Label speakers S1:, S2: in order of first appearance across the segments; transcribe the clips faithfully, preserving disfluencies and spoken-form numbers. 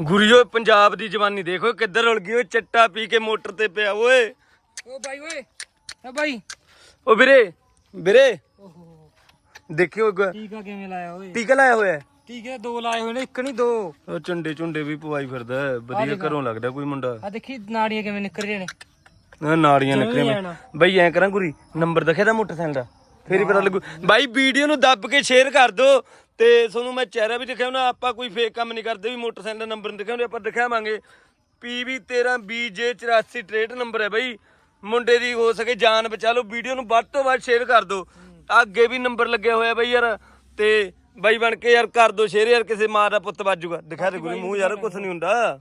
S1: ਗੁਰੀਓ ਪੰਜਾਬ ਦੀ ਜਵਾਨੀ ਦੇਖੋ ਕਿੱਧਰ ਉਲ ਗਈ ਓਏ ਚੱਟਾ ਪੀ ਕੇ ਮੋਟਰ ਤੇ ਪਿਆ ਓਏ।
S2: ਓ ਬਾਈ ਓਏ ਆ ਬਾਈ
S1: ਓ ਵੀਰੇ ਵੀਰੇ
S2: ਓਹੋ
S1: ਦੇਖਿਓ
S2: ਟੀਕਾ ਕਿਵੇਂ ਲਾਇਆ ਓਏ?
S1: ਟੀਕਾ ਲਾਇਆ ਹੋਇਆ
S2: ਟੀਕੇ ਦੋ ਲਾਏ ਹੋਏ ਨੇ, ਇੱਕ ਨਹੀਂ ਦੋ।
S1: ਉਹ ਚੁੰਡੇ ਚੁੰਡੇ ਵੀ ਪਵਾਈ ਫਿਰਦਾ ਵਧੀਆ ਘਰੋਂ ਲੱਗਦਾ ਕੋਈ ਮੁੰਡਾ।
S2: ਆ ਦੇਖੀ ਨਾੜੀਆਂ ਕਿਵੇਂ ਨਿਕਲ ਰਹੀਆਂ ਨੇ,
S1: ਆਹ ਨਾੜੀਆਂ ਨਿਕਲੀਆਂ ਬਈ। ਐ ਕਰਾਂ ਗੁਰੀ ਨੰਬਰ ਦਿਖਿਆ ਦਾ ਮੋਟਰਸਾਈਕਲ ਦਾ ਫੇਰ ਹੀ ਪਤਾ ਲੱਗੂ ਬਾਈ। ਵੀਡੀਓ ਨੂੰ ਦੱਬ ਕੇ ਸ਼ੇਅਰ ਕਰ ਦੋ ਤੇ ਤੁਹਾਨੂੰ ਮੈਂ ਚਿਹਰਾ ਵੀ ਦਿਖਾਉਣਾ। ਆਪਾਂ ਕੋਈ ਫੇਕ ਕੰਮ ਨਹੀਂ ਕਰਦੇ ਵੀ ਮੋਟਰਸਾਈਕਲ ਦਾ ਨੰਬਰ ਨਹੀਂ ਦਿਖਾਉਂਦੇ, ਆਪਾਂ ਦਿਖਾਵਾਂਗੇ। ਪੀ ਵੀ ਤੇਰਾਂ ਬੀ ਜੇ ਚੁਰਾਸੀ ਤਰੇਹਠ ਨੰਬਰ ਹੈ ਬਈ। ਮੁੰਡੇ ਦੀ ਹੋ ਸਕੇ ਜਾਨ ਬਚਾ ਲਓ। ਵੀਡੀਓ ਨੂੰ ਵੱਧ ਤੋਂ ਵੱਧ ਸ਼ੇਅਰ ਕਰ ਦੋ। ਅੱਗੇ ਵੀ ਨੰਬਰ ਲੱਗਿਆ ਹੋਇਆ ਬਈ ਯਾਰ, ਤੇ ਬਾਈ ਬਣ ਕੇ ਯਾਰ ਕਰ ਦੋ ਸ਼ੇਅਰ ਯਾਰ, ਕਿਸੇ ਮਾਂ ਦਾ ਪੁੱਤ ਵੱਜੂਗਾ। ਦਿਖਾ ਦੇ ਗੁਰੀ ਮੂੰਹ ਯਾਰ, ਕੁਛ ਨਹੀਂ ਹੁੰਦਾ।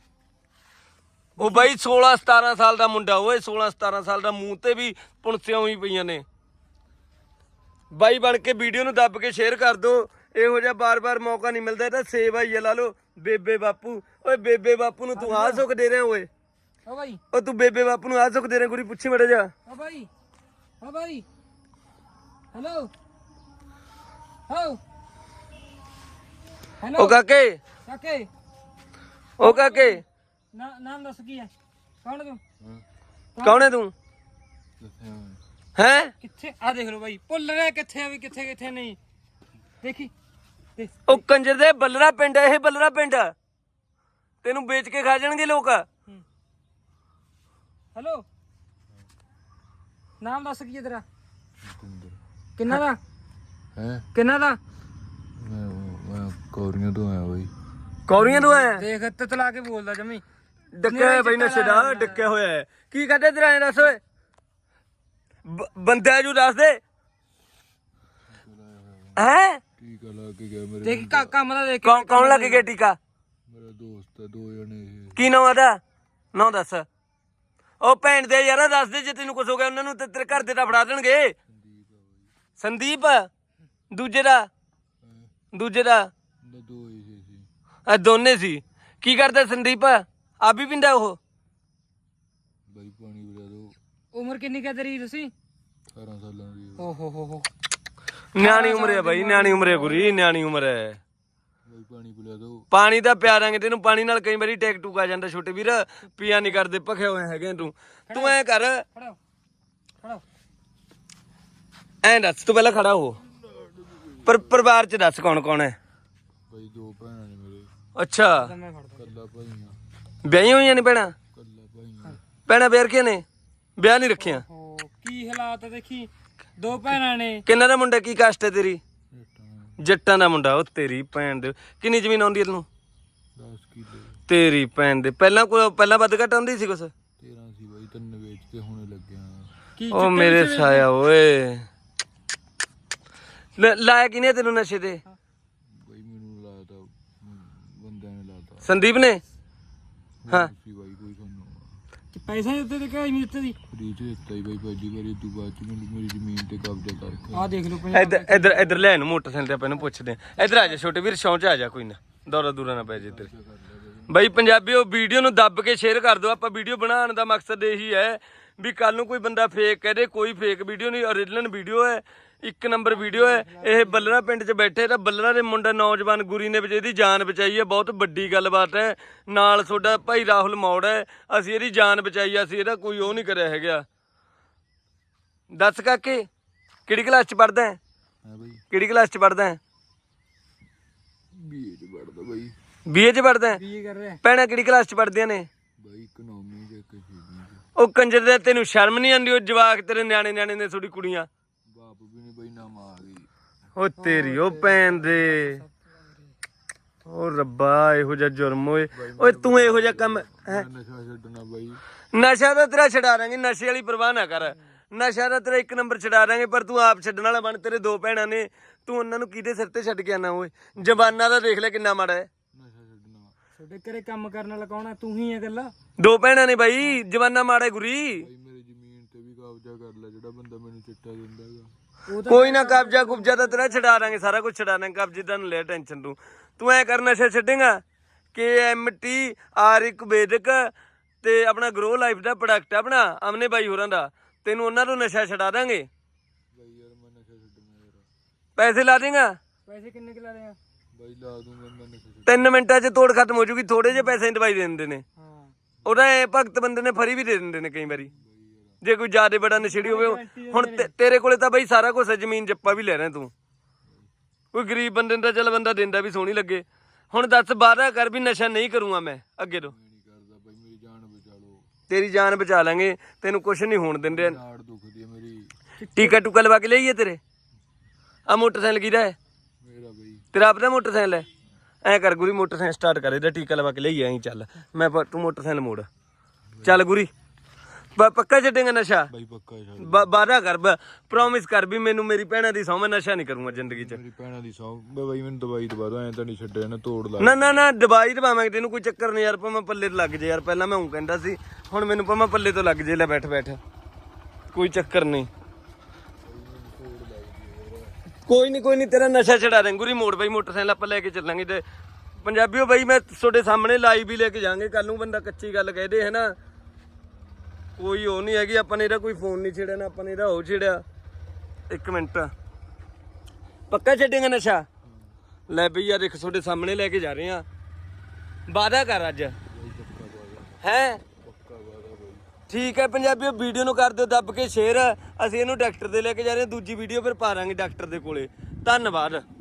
S1: ਉਹ ਬਾਈ ਸੋਲਾਂ ਸਤਾਰਾਂ ਸਾਲ ਦਾ ਮੁੰਡਾ ਓਏ, ਸੋਲਾਂ ਸਤਾਰਾਂ ਸਾਲ ਦਾ, ਮੂੰਹ ਤੇ ਵੀ ਪੁਣਸਿਆਂ ਹੋਈ ਪਈਆਂ ਨੇ। ਬਾਈ ਬਣ ਕੇ ਵੀਡੀਓ ਨੂੰ ਦੱਬ ਕੇ ਸ਼ੇਅਰ ਕਰ ਦੋ। ਇਹੋ ਜਿਹਾ ਬਾਰ-ਬਾਰ ਮੌਕਾ ਨਹੀਂ ਮਿਲਦਾ। ਇਹਦਾ ਸੇਵ ਆਈ ਆ ਲਾ ਲਓ ਬੇਬੇ ਬਾਪੂ। ਓਏ ਬੇਬੇ ਬਾਪੂ ਨੂੰ ਤੂੰ ਆਹ ਸੁੱਖ ਦੇ ਰਿਹਾ ਓਏ।
S2: ਓ ਬਾਈ
S1: ਓ ਤੂੰ ਬੇਬੇ ਬਾਪੂ ਨੂੰ ਆਹ ਸੁੱਖ ਦੇ ਰਿਹਾ ਗੁਰੀ, ਪੁੱਛੀ ਮੜਾ ਜਾ।
S2: ਓ ਬਾਈ ਓ ਬਾਈ ਹੈਲੋ ਹੋ ਹੈਲੋ
S1: ਓ ਕਾਕੇ
S2: ਕਾਕੇ
S1: ਓ ਕਾਕੇ
S2: ਨਾ ਨਾਮ ਦੱਸ ਕੀ ਹੈ? ਕੌਣ ਤੂੰ?
S1: ਕੌਣ ਹੈ ਤੂੰ? ਹੈ
S2: ਕਿੱਥੇ ਆ ਦੇਖ ਲਓ ਬਾਈ, ਭੁੱਲ ਰਿਹਾ ਕਿੱਥੇ ਆ ਵੀ ਕਿੱਥੇ ਕਿੱਥੇ ਨਹੀਂ। ਦੇਖੀ ਦੇਖ।
S1: ਉਹ ਕੰਜਰ ਦੇ ਬੱਲਰਾ ਪਿੰਡ, ਇਹ ਬੱਲਰਾ ਪਿੰਡ ਤੈਨੂੰ ਵੇਚ ਕੇ ਖਾ ਜਾਣਗੇ ਲੋਕ।
S2: ਹੈਲੋ ਨਾਮ ਦੱਸ ਕੀ ਹੈ ਤੇਰਾ? ਕਿੰਨਾ ਦਾ
S3: ਹੈ?
S2: ਕਿੰਨਾ ਦਾ?
S3: ਮੈਂ ਮੈਂ ਕੌਰੀਆਂ ਤੋਂ ਆਇਆ ਬਈ।
S1: ਕੌਰੀਆਂ ਤੋਂ ਆਇਆ?
S2: ਦੇਖ ਤਤਲਾ ਕੇ ਬੋਲਦਾ ਜਮੀ।
S1: ਡੱਕਿਆ ਹੋਇਆ ਬਈ ਨਸ਼ੇ ਦਾ, ਡੱਕਿਆ ਹੋਇਆ ਹੈ। ਕੀ ਕਰਦੇ ਤੇਰਾ ਐ ਦੱਸ ਓਏ, ਬੰਦਾ ਜੂ ਦੱਸ ਦੇ। ਹੈ
S3: ਟੀਕਾ ਲਾ ਕੇ ਗਿਆ ਮੇਰੇ।
S2: ਦੇਖ ਕਾ- ਕੰਮ ਦਾ ਦੇਖ।
S1: ਕੌਣ ਕੌਣ ਲੱਗ ਗਿਆ ਟੀਕਾ?
S3: ਮੇਰਾ ਦੋਸਤ ਹੈ, ਦੋ ਜਣੇ ਇਹ।
S1: ਕੀ ਨਾਮ ਆਦਾ? ਨਾ ਦੱਸ। ਉਹ ਭੈਣ ਦੇ ਯਾਰ ਦੱਸ ਦੇ, ਜੇ ਤੈਨੂੰ ਕੁਝ ਹੋ ਗਿਆ ਉਹਨਾਂ ਨੂੰ ਤੇ ਤੇਰੇ ਘਰ ਦੇ ਤਾਂ ਫੜਾ ਦੇਣਗੇ। ਸੰਦੀਪ ਦੂਜੇ ਦਾ ਦੂਜੇ ਦਾ
S3: ਦੋ ਹੀ ਸੀ।
S1: ਆ ਦੋਨੇ ਸੀ। ਕੀ ਕਰਦਾ ਸੰਦੀਪ? ਆ ਵੀ ਪਿੰਦਾ ਉਹ?
S3: ਬਾਈ ਪਾਣੀ ਪਿਲਾ ਦੋ।
S2: ਉਮਰ ਕਿੰਨੀ ਕਾ ਤੇਰੀ ਤੁਸੀਂ?
S3: ਅਠਾਰਾਂ ਸਾਲਾਂ ਦੀ।
S2: ਓ ਹੋ ਹੋ ਹੋ
S1: ਨਿਆਣੀ ਉਮਰ ਹੈ ਬਾਈ, ਨਿਆਣੀ ਉਮਰ ਹੈ ਗੁਰੀ, ਨਿਆਣੀ ਉਮਰ ਹੈ।
S3: ਬਾਈ ਪਾਣੀ ਪਿਲਾ ਦੋ।
S1: ਪਾਣੀ ਤਾਂ ਪਿਆ ਦਾਂਗੇ ਤੈਨੂੰ, ਪਾਣੀ ਨਾਲ ਕਈ ਵਾਰੀ ਟੈਕ ਟੂਕ ਆ ਜਾਂਦਾ ਛੋਟੇ ਵੀਰ। ਪੀਆ ਨਹੀਂ ਕਰਦੇ, ਭਖੇ ਹੋਏ ਹੈਗੇ ਤੂੰ। ਤੂੰ ਐ ਕਰ,
S2: ਖੜੋ ਖੜੋ
S1: ਐਂ ਦੱਸ ਤੂੰ ਪਹਿਲਾਂ ਖੜਾ ਹੋ। ਪਰ ਪਰਿਵਾਰ ਚ ਦੱਸ ਕੌਣ ਕੌਣ ਹੈ?
S3: ਬਾਈ ਦੋ ਭੈਣਾਂ ਨੇ ਮੇਰੇ।
S1: ਅੱਛਾ
S2: ਮੈਂ ਫੜਦਾ।
S3: ਕੱਲਾ ਭਾਈ ਆ।
S1: ਵਿਆਹੀਆਂ ਹੋਈਆਂ ਨੇ ਭੈਣਾਂ?
S3: ਕੱਲਾ ਭਾਈ ਆ।
S1: ਭੈਣਾਂ ਵਿਆਹ ਰਖੀਆਂ ਨੇ? ਵਿਆਹ ਨਹੀਂ ਰੱਖੀਆਂ?
S2: ਓ ਕੀ ਹਾਲਾਤ ਆ ਦੇਖੀ। ਦੋ ਭੈਣਾਂ ਨੇ।
S1: ਕਿੰਨਾ ਦਾ ਮੁੰਡਾ? ਕੀ ਕਾਸਟ ਹੈ ਤੇਰੀ?
S3: ਜੱਟਾਂ
S1: ਜੱਟਾਂ ਦਾ ਮੁੰਡਾ। ਉਹ ਤੇਰੀ ਭੈਣ ਦੇ ਕਿੰਨੀ ਜ਼ਮੀਨ ਆਉਂਦੀ ਹੈ ਤੈਨੂੰ?
S3: ਦਸ ਕਿੱਲੇ।
S1: ਤੇਰੀ ਭੈਣ ਦੇ ਪਹਿਲਾਂ ਕੋਈ ਪਹਿਲਾਂ ਵੱਧ ਘੱਟ ਆਉਂਦੀ ਸੀ ਕੁਛ?
S3: ਤੇਰਾਂ ਸੀ ਬਾਈ, ਤਿੰਨ ਵੇਚ ਕੇ ਹੁਣੇ ਲੱਗਿਆ।
S2: ਕੀ
S1: ਉਹ ਮੇਰੇ ਸਾਇਆ ਓਏ, ਲ- ਲਾਇਆ ਕਿਨੇ ਤੈਨੂੰ ਨਸ਼ੇ ਤੇ?
S3: ਬਾਈ ਮੈਨੂੰ ਲਾਤਾ ਬੰਦਿਆਂ ਨੇ ਲਾਤਾ
S1: ਸੰਦੀਪ ਨੇ? ਹਾਂ
S3: ਸੀ ਬਾਈ। ਕੋਈ ਸਾਨੂੰ
S2: ਪੈਸੇ ਦਿੱਤੇ ਤੇ ਕਿਹਾ ਨਹੀਂ ਦਿੱਤੇ ਦੀ।
S3: ਫਰੀ ਚ ਦਿੱਤਾ ਹੀ ਬਾਈ ਪਹਿਲੀ ਵਾਰੀ। ਤੂੰ ਬਾਅਦ ਚ ਮੈਨੂੰ ਮੇਰੀ ਜ਼ਮੀਨ ਤੇ ਕਬਜ਼ਾ ਕਰਕੇ।
S2: ਆ ਦੇਖ ਲਓ ਪੰਜਾਬ
S1: ਇੱਧਰ ਇੱਧਰ ਇੱਧਰ ਲੈ ਇਹਨੂੰ ਮੋਟਰਸਾਈਕਲ ਤੇ ਆਪਾਂ ਇਹਨੂੰ ਪੁੱਛਦੇ ਆ। ਇੱਧਰ ਆ ਜਾ ਛੋਟੇ ਵੀਰ, ਸ਼ੌਂਚ ਆ ਜਾ, ਕੋਈ ਨਾ ਦੌਰਾ ਦੂਰਾ ਨਾ ਪੈ ਜੇ ਤੇਰੇ। ਬਈ ਪੰਜਾਬੀਓ ਵੀਡੀਓ ਨੂੰ ਦੱਬ ਕੇ ਸ਼ੇਅਰ ਕਰ ਦਿਓ। ਆਪਾਂ ਵੀਡੀਓ ਬਣਾਉਣ ਦਾ ਮਕਸਦ ਇਹੀ ਹੈ ਵੀ ਕੱਲ ਨੂੰ ਕੋਈ ਬੰਦਾ ਫੇਕ ਕਹਦੇ, ਕੋਈ ਫੇਕ ਵੀਡੀਓ ਨਹੀਂ, ਓਰੀਜਨਲ ਵੀਡੀਓ ਹੈ, ਇੱਕ ਨੰਬਰ ਵੀਡੀਓ ਹੈ। ਇਹ ਬੱਲਰਾ ਪਿੰਡ 'ਚ ਬੈਠੇ ਤਾਂ ਬੱਲਰਾ ਦੇ ਮੁੰਡਾ ਨੌਜਵਾਨ ਗੁਰੀ ਨੇ ਵਿੱਚ ਇਹਦੀ ਜਾਨ ਬਚਾਈ ਹੈ। ਬਹੁਤ ਵੱਡੀ ਗੱਲਬਾਤ ਹੈ। ਨਾਲ ਤੁਹਾਡਾ ਭਾਈ ਰਾਹੁਲ ਮੌੜ ਹੈ, ਅਸੀਂ ਇਹਦੀ ਜਾਨ ਬਚਾਈ ਆ। ਅਸੀਂ ਇਹਦਾ ਕੋਈ ਉਹ ਨਹੀਂ ਕਰਿਆ ਹੈਗਾ। ਦੱਸ ਕਾਕੇ ਕਿਹੜੀ ਕਲਾਸ 'ਚ ਪੜ੍ਹਦਾ ਹੈ?
S3: ਹਾਂ ਬਾਈ
S1: ਕਿਹੜੀ ਕਲਾਸ 'ਚ ਪੜ੍ਹਦਾ ਹੈ?
S3: ਬੀਏ ਚ ਪੜਦਾ ਬਾਈ।
S1: ਬੀਏ 'ਚ ਪੜ੍ਹਦਾ ਹੈ?
S2: ਕੀ ਕਰ ਰਿਹਾ?
S1: ਭੈਣਾਂ ਕਿਹੜੀ ਕਲਾਸ 'ਚ ਪੜ੍ਹਦੀਆਂ ਨੇ?
S3: ਬਾਈ ਇਕਨੋਮੀ ਚ ਇੱਕ ਛੇਵੀਂ ਚ।
S1: ਉਹ ਕੰਜਰ ਦੇ ਤੈਨੂੰ ਸ਼ਰਮ ਨਹੀਂ ਆਉਂਦੀ? ਉਹ ਜਵਾਕ ਤੇਰੇ ਨਿਆਣੇ ਨਿਆਣੇ ਨੇ ਥੋੜੀ ਕੁੜੀਆਂ।
S3: ਬਾਪ ਵੀ ਨਹੀਂ ਬਾਈ, ਨਾ ਮਾਂ ਗਈ।
S1: ਉਹ ਤੇਰੀ ਉਹ ਭੈਣ ਦੇ, ਉਹ ਰੱਬਾ ਇਹੋ ਜਿਹਾ ਜੁਰਮ ਓਏ। ਓਏ ਤੂੰ ਇਹੋ ਜਿਹਾ ਕੰਮ ਹੈ?
S3: ਨਸ਼ਾ ਛੱਡਣਾ ਬਾਈ।
S1: ਨਸ਼ਾ ਤਾਂ ਤੇਰਾ ਛਡਾ ਦਾਂਗੇ, ਨਸ਼ੇ ਵਾਲੀ ਪਰਵਾਹ ਨਾ ਕਰ। ਨਸ਼ਾ ਤਾਂ ਤੇਰਾ ਇੱਕ ਨੰਬਰ ਛਡਾ ਦਾਂਗੇ, ਪਰ ਤੂੰ ਆਪ ਛੱਡਣ ਵਾਲਾ ਬਣ। ਤੇਰੇ ਦੋ ਭੈਣਾਂ ਨੇ, ਤੂੰ ਉਹਨਾਂ ਨੂੰ ਕਿਹਦੇ ਸਿਰ ਤੇ ਛੱਡ ਕੇ ਆਣਾ ਓਏ? ਜਵਾਨਾ ਦਾ ਦੇਖ ਲੈ ਕਿੰਨਾ ਮਾੜਾ ਹੈ।
S3: ਨਸ਼ਾ ਛੱਡਣਾ
S2: ਤੁਹਾਡੇ ਘਰੇ ਕੰਮ ਕਰਨ ਵਾਲਾ ਕੌਣ ਆ? ਤੂੰ ਹੀ ਆ ਗੱਲਾਂ।
S1: ਦੋ ਭੈਣਾਂ ਨੇ ਬਾਈ, ਜਵਾਨਾ ਮਾੜਾ ਹੈ ਗੁਰੀ।
S3: ਬਾਈ ਮੇਰੀ ਜ਼ਮੀਨ ਤੇ ਵੀ ਕਬਜ਼ਾ ਕਰ ਲੈ, ਜਿਹੜਾ ਬੰਦਾ ਮੈਨੂੰ ਚਿੱਟਾ ਦਿੰਦਾ ਹੈਗਾ।
S2: ਉਹ ਤਾਂ
S1: ਕੋਈ ਨਾ, ਕਬਜ਼ਾ ਕੁਬਜ਼ਾ ਤਾਂ ਤੇਰਾ ਛਡਾ ਦਾਂਗੇ, ਸਾਰਾ ਕੁਝ ਛਡਾ ਦਾਂਗੇ। ਕਬਜ਼ੇ ਦਾ ਲੈ ਟੈਨਸ਼ਨ ਤੂੰ। ਤੂੰ ਐ ਕਰ, ਨਸ਼ਾ ਛੱਡੇਗਾ ਕੇ ਐਮ ਟੀ ਆਰਿਕ ਵੈਦਿਕ ਤੇ ਆਪਣਾ ਗਰੋ ਲਾਈਫ ਦਾ ਪ੍ਰੋਡਕਟ ਆਪਣਾ ਅਮਨੇ ਬਾਈ ਹੋਰਾਂ ਦਾ, ਤੈਨੂੰ ਉਹਨਾਂ ਤੋਂ ਨਸ਼ਾ ਛਡਾ ਦਾਂਗੇ।
S3: ਬਾਈ ਯਾਰ ਮੈਂ ਨਸ਼ਾ ਛੱਡਣਾ ਯਾਰ।
S1: ਪੈਸੇ ਲਾ ਦੇਗਾ?
S2: ਪੈਸੇ ਕਿੰਨੇ ਕਿ ਲਾ ਰਹੇ ਆ?
S3: ਬਾਈ ਲਾ ਦੂੰਗਾ ਮੈਂ ਨਸ਼ੇ
S1: ਤਿੰਨ ਮਿੰਟਾਂ 'ਚ ਤੋੜ ਖਤਮ ਹੋ ਜੂਗੀ, ਥੋੜੇ ਜਿਹੇ ਪੈਸੇ ਦੀ ਦਵਾਈ ਦੇ ਦਿੰਦੇ ਨੇ।
S2: ਹਾਂ
S1: ਉਹਦਾ ਇਹ ਭਗਤ ਬੰਦੇ ਨੇ ਫਰੀ ਵੀ ਦੇ ਦਿੰਦੇ ਨੇ ਕਈ ਵਾਰੀ, ਜੇ ਕੋਈ ਜ਼ਿਆਦਾ ਬੜਾ ਨਸ਼ੇੜੀ ਹੋਵੇ। ਹੁਣ ਤੇ- ਤੇਰੇ ਕੋਲੇ ਤਾਂ ਬਈ ਸਾਰਾ ਕੁਝ ਹੈ, ਜ਼ਮੀਨ ਜੱਪਾ ਵੀ ਲੈ ਰਿਹਾ ਤੂੰ। ਕੋਈ ਗਰੀਬ ਬੰਦੇ ਨੂੰ ਤਾਂ ਚੱਲ ਬੰਦਾ ਦਿੰਦਾ ਵੀ ਸੋਹਣੀ ਲੱਗੇ। ਹੁਣ ਦੱਸ ਵਾਅਦਾ ਕਰ ਵੀ ਨਸ਼ਾ ਨਹੀਂ ਕਰੂੰਗਾ ਮੈਂ ਅੱਗੇ ਤੋਂ।
S3: ਨਹੀਂ ਕਰਦਾ ਬਾਈ, ਮੇਰੀ ਜਾਨ ਬਚਾ ਲਓ।
S1: ਤੇਰੀ ਜਾਨ ਬਚਾ ਲਾਂਗੇ, ਤੈਨੂੰ ਕੁਝ ਨਹੀਂ ਹੋਣ ਦਿੰਦੇ।
S3: ਨਾੜ ਦੁਖਦੀ ਹੈ ਮੇਰੀ।
S1: ਟੀਕਾ ਟੂਕਾ ਲਵਾ ਕੇ ਲਈਏ ਤੇਰੇ। ਆ ਮੋਟਰਸਾਈਕਲ ਕਿਹਦਾ ਹੈ?
S3: ਮੇਰਾ ਬਾਈ
S1: ਤੇਰਾ ਆਪਣਾ ਮੋਟਰਸਾਈਕਲ ਹੈ? ਐ ਕਰ ਗੁਰੀ, ਮੋਟਰਸਾਈਕਲ ਸਟਾਰਟ ਕਰ, ਇਹਦਾ ਟੀਕਾ ਲਵਾ ਕੇ ਲਈਏ। ਐਂ ਚੱਲ, ਮੈਂ ਪ- ਤੂੰ ਮੋਟਰਸਾਈਕਲ ਮੋੜ। ਚੱਲ ਗੁਰੀ, ਬ- ਪੱਕਾ ਛੱਡੇਗਾ ਨਸ਼ਾ?
S3: ਬਾਈ ਪੱਕਾ ਛੱਡ।
S1: ਬ- ਵਾਅਦਾ ਕਰ, ਪ੍ਰੋਮਿਸ ਕਰ ਵੀ ਮੈਨੂੰ ਮੇਰੀ ਭੈਣਾਂ ਦੀ ਸਹੁੰ ਮੈਂ ਨਸ਼ਾ ਨਹੀਂ ਕਰੂੰਗਾ ਜ਼ਿੰਦਗੀ 'ਚ।
S3: ਮੇਰੀ ਭੈਣਾਂ ਦੀ ਸੌ ਬਾਈ ਮੈਨੂੰ ਦਵਾਈ ਦਵਾ ਦੋ, ਐਂ ਤਾਂ ਨਹੀਂ ਛੱਡਿਆ ਨਾ, ਤੋੜ ਲਾ।
S1: ਨਾ ਨਾ ਨਾ ਦਵਾਈ ਦਵਾਵਾਂਗੇ ਤੈਨੂੰ, ਕੋਈ ਚੱਕਰ ਨਹੀਂ ਯਾਰ। ਭਾਵੇਂ ਪੱਲੇ ਤੋਂ ਲੱਗ ਜੇ ਯਾਰ, ਪਹਿਲਾਂ ਮੈਂ ਉਹ ਕਹਿੰਦਾ ਸੀ, ਹੁਣ ਮੈਨੂੰ ਭਾਵੇਂ ਪੱਲੇ ਤੋਂ ਲੱਗ ਜੇ। ਲੈ ਬੈਠ ਬੈਠ, ਕੋਈ ਚੱਕਰ ਨਹੀਂ। ਕੋਈ ਨਹੀਂ ਕੋਈ ਨਹੀਂ, ਤੇਰਾ ਨਸ਼ਾ ਛਡਾ ਦੇ ਗੁਰੀ। ਮੋੜ ਬਾਈ ਮੋਟਰਸਾਈਕਲ ਆਪਾਂ ਲੈ ਕੇ ਚੱਲਾਂਗੇ। ਤੇ ਪੰਜਾਬੀਓ ਬਾਈ ਮੈਂ ਤੁਹਾਡੇ ਸਾਹਮਣੇ ਲਾਈਵ ਵੀ ਲੈ ਕੇ ਜਾਵਾਂਗੇ। ਕੱਲ ਨੂੰ ਬੰਦਾ ਕੱਚੀ ਗੱਲ ਕਹਦੇ ਹੈ ਨਾ, ਕੋਈ ਉਹ ਨਹੀਂ ਹੈਗੀ। ਆਪਾਂ ਨੇ ਇਹਦਾ ਕੋਈ ਫੋਨ ਨਹੀਂ ਛੇੜਿਆ ਨਾ, ਆਪਾਂ ਨੇ ਇਹਦਾ ਉਹ ਛੇੜਿਆ। ਇੱਕ ਮਿੰਟ, ਪੱਕਾ ਛੱਡੇਗਾ ਨਸ਼ਾ? ਲੈ ਬਈ ਯਾਰ, ਇੱਕ ਤੁਹਾਡੇ ਸਾਹਮਣੇ ਲੈ ਕੇ ਜਾ ਰਹੇ ਆ। ਵਾਅਦਾ ਕਰ ਅੱਜ ਹੈ। ਠੀਕ ਹੈ ਪੰਜਾਬੀਓ, ਵੀਡੀਓ ਨੂੰ ਕਰ ਦਿਓ ਦੱਬ ਕੇ ਸ਼ੇਅਰ। ਅਸੀਂ ਇਹਨੂੰ ਡਾਕਟਰ ਦੇ ਲੈ ਕੇ ਜਾ ਰਹੇ ਹਾਂ। ਦੂਜੀ ਵੀਡੀਓ ਫਿਰ ਪਾ ਦਾਂਗੇ ਡਾਕਟਰ ਦੇ ਕੋਲੇ। ਧੰਨਵਾਦ।